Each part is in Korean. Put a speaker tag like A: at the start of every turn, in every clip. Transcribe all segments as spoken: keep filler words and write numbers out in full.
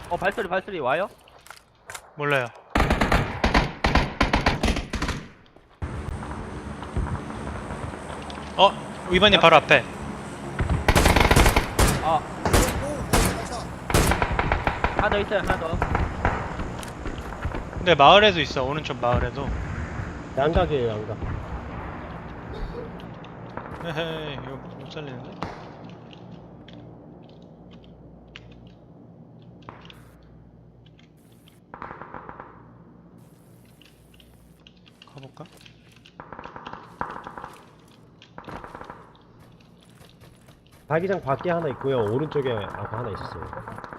A: 어 발소리 발소리 와요?
B: 몰라요. 어, 이번님 바로 앞에.
A: 아
C: 오, 나이스.
A: 하나 더 있어요 하나 더.
B: 근데 마을에도 있어. 오른쪽 마을에도.
D: 양각이에요, 양각.
B: 헤헤, 이거 못 살리는데? 가볼까?
D: 자기장 밖에 하나 있고요. 오른쪽에 아까 하나 있었어요.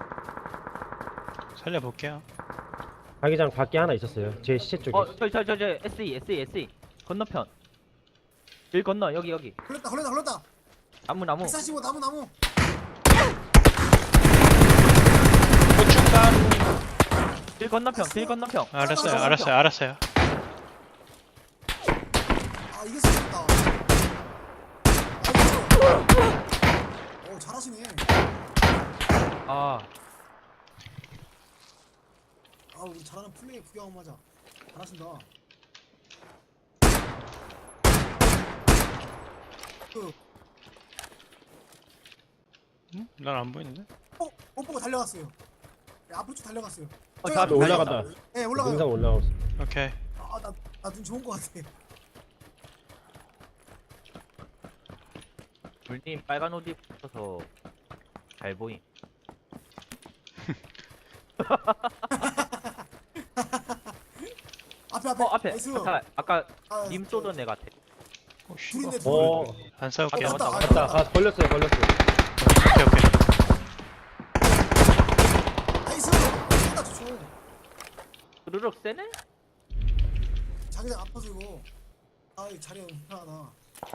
B: 살려볼게요.
D: 자기장 밖에 하나 있었어요. 제 시체 쪽에.
A: 어 저기 저기 저기 에스이 에스이 에스이 건너편. 여기 건너 여기 여기.
C: 걸렸다, 걸렸다, 걸렸다.
A: 나무 나무.
C: 백사십오 나무, 나무.
B: 고춧가루.
A: 길 건너편 길 건너편.
B: 알았어요, 알았어요, 알았어요.
C: 아, 이게 쓰겠다. 아, 오, 잘하시네.
A: 아
C: 아, 우리 잘하는 플레이 구경 한번 하자. 잘하신다. 그,
B: 응? 난 안 보이는데?
C: 어, 못 보고 달려갔어요. 네, 앞으로 쭉 달려갔어요.
A: 어,
C: 저기
A: 저
C: 앞에
A: 앞에
D: 올라간다.
C: 네,
D: 영상
C: 올라가요.
D: 올라가고 있어.
B: 오케이.
C: 아, 나, 나 눈 좋은 거 같아.
A: 물님 빨간 옷 입어서 잘 보임.
C: 앞에, 앞에.
A: 어 앞에
C: 나이스.
A: 아까 아까
C: 아,
A: 님
C: 저-
A: 쏘던 애 같아.
B: 오, 씨.
C: 둘인데, 둘.
D: 어,
B: 안 싸울게요.
A: 맞다, 맞다,
D: 갔다. 아, 걸렸어요, 걸렸어요.
B: 오케이, 오케이.
C: 나이스. 쏜다, 좋죠.
A: 으르륵 세네?
C: 자기장 아파서 이거. 아, 이 자리가 불편하다.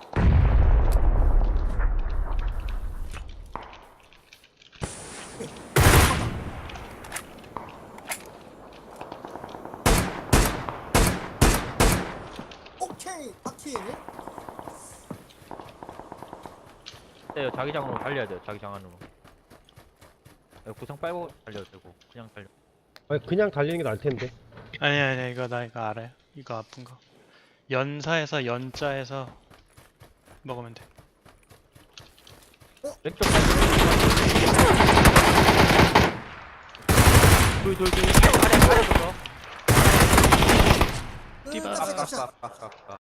C: 오케이, 바퀴.
A: 네 자기장으로 달려야 돼요 자기장 안으로. 네, 구상 빨고 달려도 되고 그냥 달려.
D: 아니, 그냥 달리는 게 나을 텐데.
B: 아니, 아니, 이거 나 이거 알아요. 이거 아픈 거. 연사에서 연자에서 먹으면 돼.
A: 왼쪽 발. 둘둘둘 아래 아래 줘.
B: 띠바.
C: 깜짝,
A: 아까
C: 깜짝.
A: 아까 아까 아까.